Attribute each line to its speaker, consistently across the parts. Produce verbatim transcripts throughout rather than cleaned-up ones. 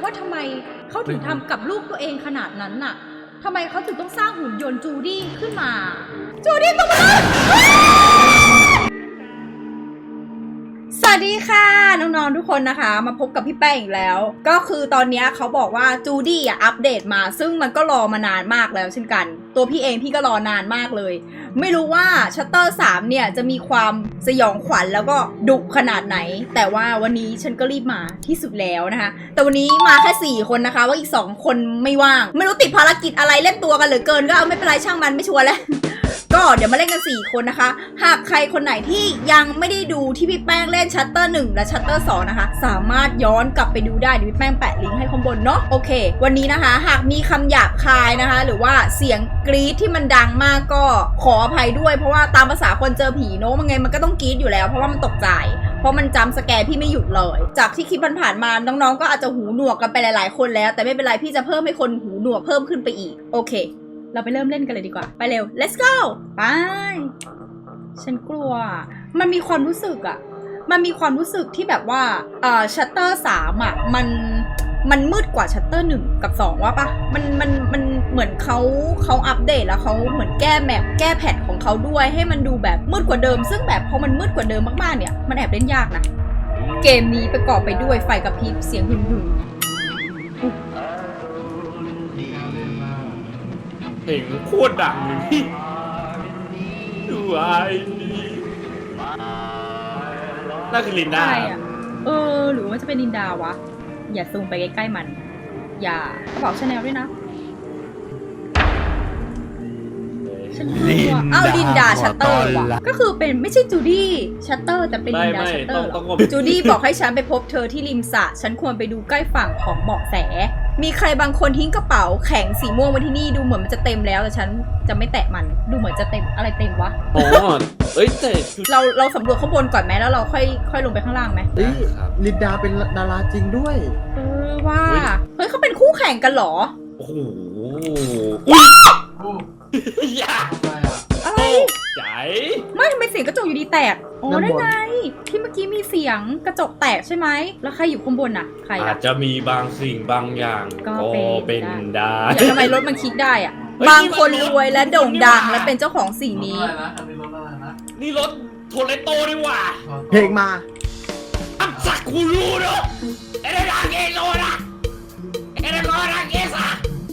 Speaker 1: ว่าทำไมเขาถึงทำกับลูกตัวเองขนาดนั้นน่ะทำไมเขาถึงต้องสร้างหุ่นยนต์จูดี้ขึ้นมาจูดี้ตัวมันสวัสดีค่ะน้องๆทุกคนนะคะมาพบกับพี่แป้งอีกแล้วก็คือตอนนี้เขาบอกว่าจูดี้อ่ะอัปเดตมาซึ่งมันก็รอมานานมากแล้วเช่นกันตัวพี่เองพี่ก็รอนานมากเลยไม่รู้ว่าชัตเตอร์สามเนี่ยจะมีความสยองขวัญแล้วก็ดุขนาดไหนแต่ว่าวันนี้ฉันก็รีบมาที่สุดแล้วนะคะแต่วันนี้มาแค่สี่คนนะคะว่าอีกสองคนไม่ว่างไม่รู้ติดภารกิจอะไรเล่นตัวกันเหลือเกินก็เอาไม่เป็นไรช่างมันไม่ชวนแล้วก็เดี๋ยวมาเล่นกันสี่คนนะคะหากใครคนไหนที่ยังไม่ได้ดูที่พี่แป้งเล่นชัตเตอร์หนึ่งและชัตเตอร์สองนะคะสามารถย้อนกลับไปดูได้เดี๋ยวพี่แป้งแปะลิงก์ให้ข้างบนเนาะโอเควันนี้นะคะหากมีคำหยาบคายนะคะหรือว่าเสียงกรี๊ดที่มันดังมากก็ขออภัยด้วยเพราะว่าตามภาษาคนเจอผีเนาะมันไงมันก็ต้องกรี๊ดอยู่แล้วเพราะว่ามันตกใจเพราะมันจำสแกร์พี่ไม่หยุดเลยจากที่คลิปผ่านๆมาน้องๆก็อาจจะหูหนวกกันไปหลายๆคนแล้วแต่ไม่เป็นไรพี่จะเพิ่มให้คนหูหนวกเพิ่มขึ้นไปอีกโอเคเราไปเริ่มเล่นกันเลยดีกว่าไปเร็ว let's go ไปฉันกลัวมันมีความรู้สึกอะมันมีความรู้สึกที่แบบว่าเอ่อชัตเตอร์สามอะมันมันมืดกว่าชัตเตอร์หนึ่งกับสองว่าปะมันมันมันเหมือนเขาเขาอัปเดตแล้วเขาเหมือนแก้แมปแก้แพทของเขาด้วยให้มันดูแบบมืดกว่าเดิมซึ่งแบบพอมันมืดกว่าเดิมมากๆเนี่ยมันแอบเล่นยากนะเกมนี้ประกอบไปด้วยไฟกระพริบเสียงหึ่งหึ่ง
Speaker 2: เพลงโคตรดังเลยพี่ดูไอ้นี่น่าคือลินดา
Speaker 1: เออหรือว่าจะเป็นลินดาวะอย่าซูมไปใกล้ๆมันอย่ากระเป๋าชาแนลด้วยนะฉันกลัวอ้าวลินดาชัตเตอร์ว่ะก็คือเป็นไม่ใช่จูดี้ชัตเตอร์แต่เป็นลินดาชัตเตอร์จูดี้บอกให้ฉันไปพบเธอที่ริมสระฉันควรไปดูใกล้ฝั่งของเบาะแสมีใครบางคนทิ้งกระเป๋าแข็งสีม่วงไว้ที่นี่ดูเหมือนมันจะเต็มแล้วแต่ฉันจะไม่แตะมันดูเหมือนจะเต็มอะไรเต็มวะ
Speaker 2: อ๋อเอ้ยแต่
Speaker 1: เราเราสำรวจข้างบนก่อนไหมแล้วเราค่อยค่อยลงไปข้างล่างไหม
Speaker 3: เฮ้ยลินดาเป็นดาราจริงด้วย
Speaker 1: เออว่าเฮ้ยเขาเป็นคู่แข่งกันเหรอ
Speaker 2: โอ้โห
Speaker 3: อย่า
Speaker 1: อะไร
Speaker 2: ใหญ่
Speaker 1: ไม่ทำไมเสียงกระจกอยู่ดีแตกอ๋อได้ไงที่เมื่อกี้มีเสียงกระจกแตกใช่ไหมแล้วใครอยู่ข้างบนน่ะใคร
Speaker 2: อาจจะมีบางสิ่งบางอย่างก็เป็นได้
Speaker 1: ทำไมรถมันคลิกได้อะบางคนรวยและโด่งดังและเป็นเจ้าของสิ่งนี้
Speaker 2: นี่รถโทเรโตนี่หว่า
Speaker 3: เพลงมา
Speaker 2: อับสักคูรูเนาะเอเดราเกโลนะเอเดราเกซ่า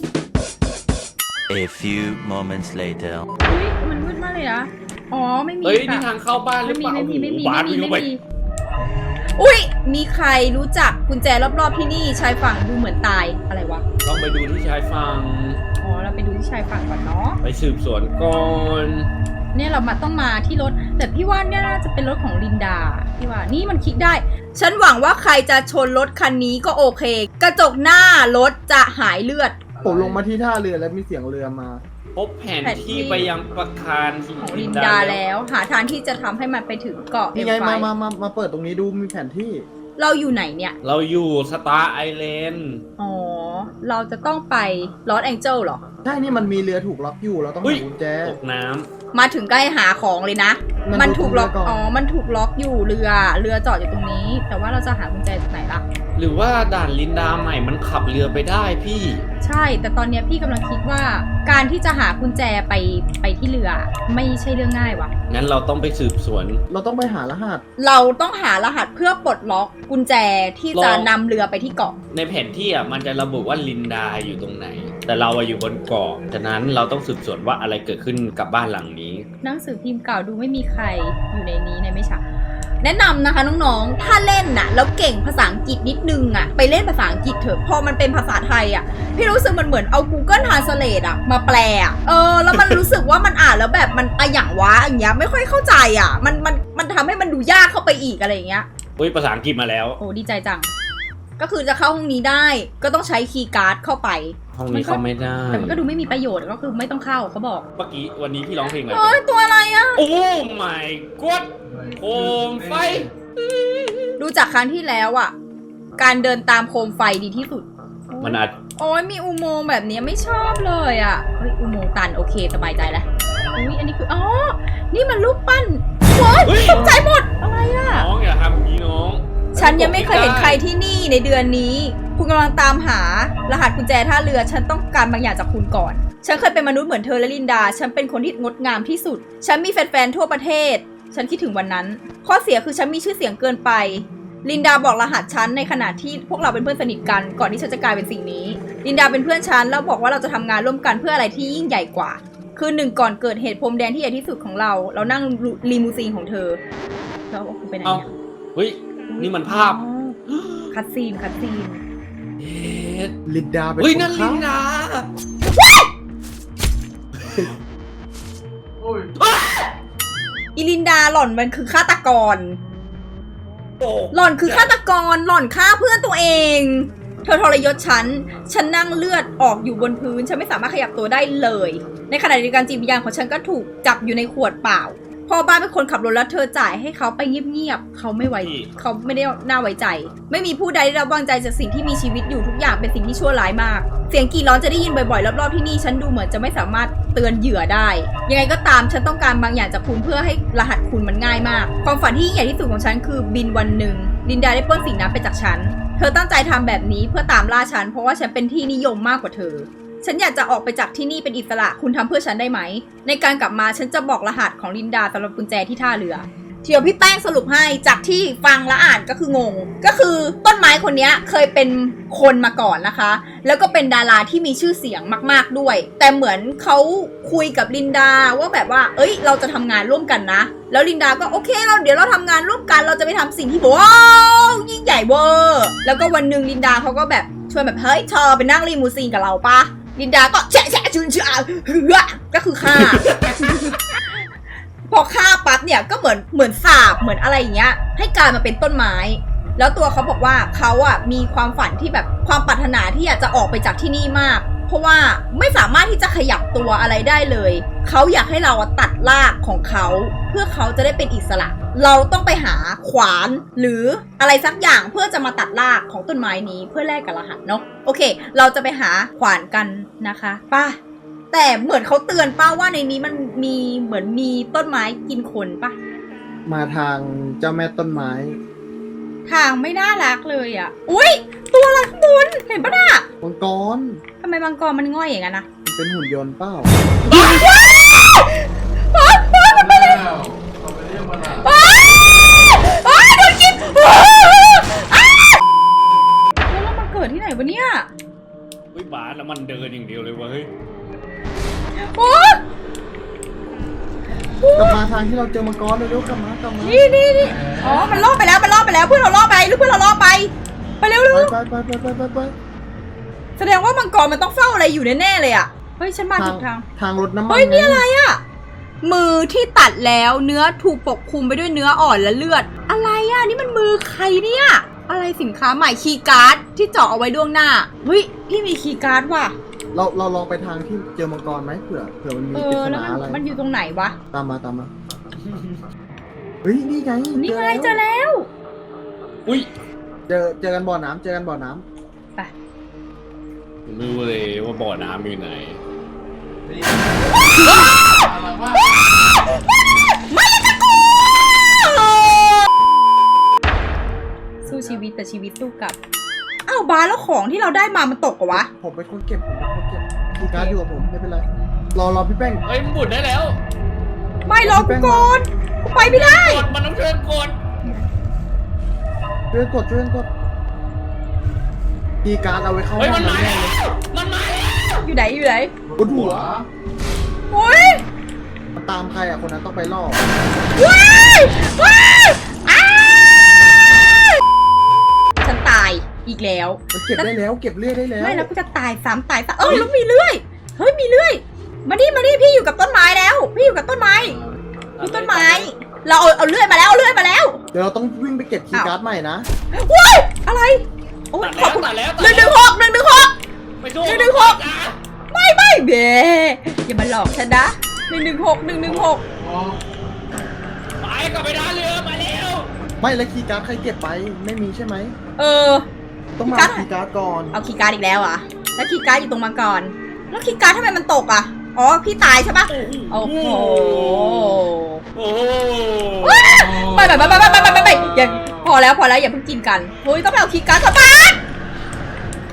Speaker 4: A few moments later
Speaker 1: อุ้ยมันมืดมากเลยอะอ๋อไม่มี
Speaker 2: เฮ้ยนี่ทางเข้าบ้านหรือเปล่า
Speaker 1: ไม่มีไม่มี
Speaker 2: บ้าน
Speaker 1: ไม่มี
Speaker 2: ไม่
Speaker 1: มีอุ้ยมีใครรู้จักกุญแจรอบๆที่นี่ชายฝั่งดูเหมือนตายอะไรวะ
Speaker 2: ต้องไปดูที่ชายฝั่ง
Speaker 1: อ๋อเราไปดูที่ชายฝั่งก่อนเนาะ
Speaker 2: ไปสืบสวนก่อน
Speaker 1: เนี่ยเรามาต้องมาที่รถแต่พี่ว่าเนี่ยน่าจะเป็นรถของลินดาพี่ว่านี่มันคลิกได้ฉันหวังว่าใครจะชนรถคันนี้ก็โอเคกระจกหน้ารถจะหายเลือด
Speaker 3: ผมลงมาที่ท่าเรือแล้วมีเสียงเรือมา
Speaker 2: พบแผนที่ไปยังประคาร
Speaker 1: ของลินดาแล้วหาทางที่จะทำให้มันไปถึงเกาะ
Speaker 3: ยังไงมามามามาเปิดตรงนี้ดูมีแผนที่
Speaker 1: เราอยู่ไหนเนี่ย
Speaker 2: เราอยู่สตาร์ไอแลนด์
Speaker 1: อ๋อเราจะต้องไปลอสแองเจิลหรอ
Speaker 3: ใช่นี่มันมีเรือถูกล็อกอยู่เราต้องหากุญแจ
Speaker 2: ตกน้ำ
Speaker 1: มาถึงใกล้หาของเลยนะมันถูกล็อกอ๋อมันถูกล็อกอยู่เรือเรือจอดอยู่ตรงนี้แต่ว่าเราจะหากุญแจจากไหนล่ะ
Speaker 2: หรือว่าด่านลินดาใหม่มันขับเรือไปได้พี่
Speaker 1: ใช่แต่ตอนนี้พี่กำลังคิดว่าการที่จะหากุญแจไปไปที่เรือไม่ใช่เรื่องง่ายวะ
Speaker 2: งั้นเราต้องไปสืบสวน
Speaker 3: เราต้องไปหารหัส
Speaker 1: เราต้องหารหัสเพื่อปลดล็อกกุญแจที่จะนำเรือไปที่เกาะ
Speaker 2: ในแผนที่อ่ะมันจะระบุว่าลินดาอยู่ตรงไหนแต่เราอยู่บนเกาะฉะนั้นเราต้องสืบสวนว่าอะไรเกิดขึ้นกับบ้านหลังนี้
Speaker 1: หนังสือพิมพ์เก่าดูไม่มีใครอยู่ในนี้ในไม่ช้าแนะนำนะคะน้องๆถ้าเล่นน่ะแล้วเก่งภาษาอังกฤษนิดนึงอ่ะไปเล่นภาษาอังกฤษเถอะพอมันเป็นภาษาไทยอ่ะพี่รู้สึกมันเหมือนเอา Google Translate อ่ะมาแปลอ่ะเออแล้วมันรู้สึกว่ามันอ่านแล้วแบบมันอะอย่างวะอย่างเงี้ยไม่ค่อยเข้าใจอ่ะมันมันมันทำให้มันดูยากเข้าไปอีกอะไรอย่างเงี้ย
Speaker 2: อุ้ยภาษาอังกฤษมาแล้ว
Speaker 1: โอ้ดีใจจังก็คือจะเข้าห้องนี้ได้ก็ต้องใช้คีย์การ์ดเข้าไป
Speaker 2: ห้องนี้เข้าไม่ได้
Speaker 1: แต่มันก็ดูไม่มีประโยชน์ก็คือไม่ต้องเข้าเขาบอก
Speaker 2: เมื่อกี้วันนี้พี่ร้องเพลงอะไร
Speaker 1: โอ้ยตัวอะไรอ่ะ
Speaker 2: โอ้ my god โคมไฟ
Speaker 1: ดูจากครั้งที่แล้วอ่ะการเดินตามโคมไฟดีที่สุด
Speaker 2: มันอาจ
Speaker 1: โอ้ยมีอุโมงค์แบบนี้ไม่ชอบเลยอ่ะเฮ้ยอุโมงค์ตันโอเคสบายใจแล้วอุ้ยอันนี้คืออ๋อนี่มันรูปปั้นโอ๊ยตกใจหมดอะไรอ่ะ
Speaker 2: น้องอย่าทำอย่างนี้น้อง
Speaker 1: ฉันยังไม่เคยเห็นใครที่นี่ในเดือนนี้พคุณกำลังตามหารหัสกุญแจท่าเรือฉันต้องการบางอย่างจากคุณก่อนฉันเคยเป็นมนุษย์เหมือนเธอและลินดาฉันเป็นคนที่งดงามที่สุดฉันมีแฟนๆทั่วประเทศฉันคิดถึงวันนั้นข้อเสียคือฉันมีชื่อเสียงเกินไปลินดาบอกรหัสฉันในขณะที่พวกเราเป็นเพื่อนสนิทกันก่อนที่ฉันจะกลายเป็นสิ่งนี้ลินดาเป็นเพื่อนฉันแล้วบอกว่าเราจะทำงานร่วมกันเพื่ออะไรที่ยิ่งใหญ่กว่าคืนหนึ่งก่อนเกิดเหตุพรมแดนที่ใหญ่ที่สุดของเราเรานั่งลีมูซีนของเธอแล้วคุณไปไหน
Speaker 2: เอ้า
Speaker 1: เนี่ย
Speaker 2: เฮ้ยนี่มันภาพ
Speaker 1: อ๋อคัดซีนคัดซีน
Speaker 2: เอ็ด
Speaker 3: ลินดาเป็น
Speaker 2: เฮ้ย
Speaker 3: ค
Speaker 2: นั่น
Speaker 3: ฆ่า
Speaker 2: ลินดา
Speaker 1: อีลินดาหล่อนมันคือฆาตกร
Speaker 2: โอ้
Speaker 1: หล่อนคือฆาตกรหล่อนฆ่าเพื่อนตัวเองเธอทรยศฉันฉันนั่งเลือดออกอยู่บนพื้นฉันไม่สามารถขยับตัวได้เลยในขณะเดียวกันจิตวิญญาณของฉันก็ถูกจับอยู่ในขวดเปล่าพ่อบ้านเป็นคนขับรถแล้วเธอจ่ายให้เขาไปเงียบๆเขาไม่ไว้เขาไม่ได้น่าไว้ใจไม่มีผู้ใดได้รับวางใจจากสิ่งที่มีชีวิตอยู่ทุกอย่างเป็นสิ่งที่ชั่วร้ายมากเสียงกรีดร้องจะได้ยินบ่อยๆรอบๆที่นี่ฉันดูเหมือนจะไม่สามารถเตือนเหยื่อได้ยังไงก็ตามฉันต้องการบางอย่างจากคุณเพื่อให้รหัสคุณมันง่ายมากความฝันที่ยิ่งใหญ่ที่สุดของฉันคือบินวันหนึ่งลินดาได้ปล้นสิ่งนั้นไปจากฉันเธอตั้งใจทำแบบนี้เพื่อตามล่าฉันเพราะว่าฉันเป็นที่นิยมมากกว่าเธอฉันอยากจะออกไปจากที่นี่เป็นอิสระคุณทำเพื่อฉันได้ไหมในการกลับมาฉันจะบอกรหัสของลินดาสำหรับกุญแจที่ท่าเรือเดี๋ยวพี่แป้งสรุปให้จากที่ฟังและอ่านก็คืองงก็คือต้นไม้คนนี้เคยเป็นคนมาก่อนนะคะแล้วก็เป็นดาราที่มีชื่อเสียงมากๆด้วยแต่เหมือนเขาคุยกับลินดาว่าแบบว่าเอ้ยเราจะทำงานร่วมกันนะแล้วลินดาก็โอเคเราเดี๋ยวเราทำงานร่วมกันเราจะไปทำสิ่งที่ว้าวยิ่งใหญ่เวอร์แล้วก็วันหนึ่งลินดาเขาก็แบบชวนแบบเฮ้ยเธอไปนั่งลีมูซีนกับเราปะลินดาก็แฉะแฉะชุนเชื่อเฮือก็คือฆ่า พอฆ่าปั๊บเนี่ยก็เหมือนเหมือนสาบเหมือนอะไรอย่างเงี้ยให้กลายมาเป็นต้นไม้แล้วตัวเขาบอกว่าเขาอ่ะมีความฝันที่แบบความปรารถนาที่อยากจะออกไปจากที่นี่มากเพราะว่าไม่สามารถที่จะขยับตัวอะไรได้เลยเขาอยากให้เราตัดรากของเขาเพื่อเขาจะได้เป็นอิสระเราต้องไปหาขวานหรืออะไรสักอย่างเพื่อจะมาตัดรากของต้นไม้นี้เพื่อแลกกับรหัสเนาะโอเคเราจะไปหาขวานกันนะคะป่ะแต่เหมือนเขาเตือนป้าว่าในนี้มันมีเหมือนมีต้นไม้กินคนป่ะ
Speaker 3: มาทางเจ้าแม่ต้นไม้
Speaker 1: ทางไม่น่ารักเลยอ่ะอุ้ยตัวอะไรข้างบนเห็นปะน่ะ
Speaker 3: มังกร
Speaker 1: ทำไมมังกรมันง่อยอย่างนั้นนะ
Speaker 3: มันเป็นหุ่นยนต์เปล่า
Speaker 1: ว้าวว้าวว้าวมันไปเลยว้าวว้าวโดนกินว้าวอ้าวแล้วเรามาเกิดที่ไหนวะเนี่ย
Speaker 2: เฮ้ยบาสแล้วมันเดินอย่างเดียวเลยวะเฮ้ย
Speaker 1: โอ้
Speaker 3: กลับมาทางที่เราเจอมังกรเร็วๆกลับมากลับมา
Speaker 1: นี่นี่นี่อ๋อมันล่อไปแล้วมันล่อไปแล้วเพื่อนเราล่อไปหรือเพื่อนเราล่อไปไปเร็วเร็ว
Speaker 3: ไปไปไปไปไปไป
Speaker 1: แสดงว่ามังกรมันต้องเฝ้าอะไรอยู่แน่ๆเลยอ่ะเฮ้ยฉันมาถูกทาง
Speaker 3: ทางรถน้ำมัน
Speaker 1: เฮ้ยนี่อะไรอ่ะมือที่ตัดแล้วเนื้อถูกปกคลุมไปด้วยเนื้ออ่อนและเลือดอะไรอ่ะนี่มันมือใครเนี่ยอะไรสินค้าใหม่คีย์การ์ดที่เจาะเอาไว้ล่วงหน้าเฮ้ยพี่มีคีย์การ์ดว่ะ
Speaker 3: เราเราลองไปทางที่เจอมังกรไหมเผื่อเผื่อมันมี
Speaker 1: เอ
Speaker 3: ปริ
Speaker 1: อ
Speaker 3: ศ
Speaker 1: แล้ว
Speaker 3: นา
Speaker 1: มัน
Speaker 3: อะไร
Speaker 1: มันอยู่ตรงไหนวะ
Speaker 3: ตามมาตามมาเฮ้ยนี่ไง
Speaker 1: นี่ไงเจ
Speaker 3: เจ
Speaker 1: อ
Speaker 3: อแล้ว
Speaker 1: แล้ว
Speaker 2: อุ้ย
Speaker 3: เจอเจอกันบ่อน้ำเจอกันบ่อน้ำ
Speaker 1: ไป
Speaker 2: ผมไม่รู้เลยว่าบ่อน้ำอยู่ไหน
Speaker 1: ไม่จะกูสู้ชีวิตแต่ชีวิตสู้กลับอ้าวบาสแล้วของที่เราได้มามันตกเหรอวะ
Speaker 3: ผมเป็นคนเก็บผมเป็นคนเก็บคีย์การ์ดอยู่กับผมไม่เป็นไรรอรอพี่แป้ง
Speaker 2: เฮ้ยมันบุดได้แล้ว
Speaker 1: ไม่รอกูก่อนกูไปไม่ได้
Speaker 2: กดมันต้องช่วยกด
Speaker 3: ช่วยกดช่วยกดคีย์การ์ดเอาไว้เข้า
Speaker 2: เฮ้ย
Speaker 3: ห้
Speaker 2: มั
Speaker 3: อน ง
Speaker 2: มา
Speaker 3: น้ำแน่
Speaker 2: แล้
Speaker 3: เลยว
Speaker 2: มันมาแล้ว
Speaker 1: อยู่ไหนอยู่ไหน
Speaker 3: บนหัว
Speaker 1: โอ้ย
Speaker 3: มันตามใครอ่ะคนนั้นต้องไปล่อ
Speaker 1: ว้ายว้ายอ้ายฉันตายอีกแล้ว
Speaker 3: มันเก็บได้แล้วเก็บเลือดได้แล้ว
Speaker 1: ไม่แล้วกูจะตายซ้ำตายซ้ำเออแล้วมีเลื่อยเฮ้ยมีเลื่อยมาดิมาดิพี่อยู่กับต้นไม้แล้วพี่อยู่กับต้นไม้ดูต้นไม้เราเอาเอาเลื่อยมาแล้วเอาเลื่อยมาแล้ว
Speaker 3: เดี๋ยวเราต้องวิ่งไปเก็บคีย์การ์ดใหม่นะ
Speaker 1: ว้ายอะไรโอ้ย
Speaker 2: ตัด
Speaker 1: ข
Speaker 2: แล้
Speaker 1: อบคุณ
Speaker 2: วตัดแล้ว
Speaker 1: หนึ่งหนึ่งหกหนึ่งหนึ่งหก
Speaker 2: ไปดู
Speaker 1: หนึ่งหนึ่งหก ไม่ไม่เบอย่ามาหลอกฉันนะหนึ่งหนึ่งหกหนึ่งหนึ่งหก
Speaker 2: ไปกลับไปด้านเรือมาเร็ว
Speaker 3: ไม่แล้วคีย์การ์ดใครเก็บไปไม่มีใช่ไหม
Speaker 1: เออ
Speaker 3: ต้องมา
Speaker 1: คีย์การ์ด
Speaker 3: คีย์การ์ดก่อน
Speaker 1: เอาคีย์การ์ดอีกแล้วอ่ะแล้วคีย์การ์ดอยู่ตรงมังกรแล้วคีย์การ์ดทำไมมันตกอ่ะอ๋อพี่ตายใช่ปะโอ้โห
Speaker 2: โอ้โห
Speaker 1: ไปไปไปไปไปไปไปอย่าพอแล้วพอแล้วอย่าเพิ่งกินกันเฮ้ยต้องไปเอาคีย์การ์ดกลับบ้าน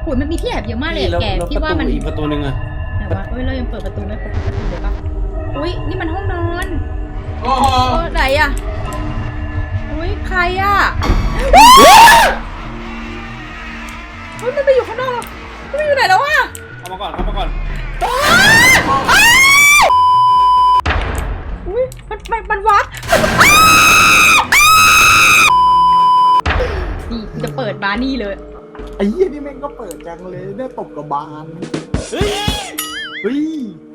Speaker 1: โอ้ยมันมีที่แอบเยอะมากเลยอะแก
Speaker 2: แล้ว
Speaker 1: พี่ว่ามัน
Speaker 2: อีกประตูหนึ่งอะ
Speaker 1: ไหนวะเอ้ยเรายังเปิดประตูไม่ครบประตูเลยปะอุ้ยนี่มันห้องนอน
Speaker 2: โอ้โห
Speaker 1: เออไหนอะอุ้ยใครอะเฮ้ยมันไปอยู่ข้างนอกมันไปอยู่ไหนแล้วอะ
Speaker 2: เข้ามาก่อนเข้ามาก่อน
Speaker 1: อุ้ยมันมันมันวัดนี่กูจะเปิดบาร์นี่เลย
Speaker 3: ไอ้เหี้ยนี่แม่งก็เปิดจังเลยเนี่ยตบกับบาน
Speaker 2: เฮ้ย
Speaker 3: เฮ้ย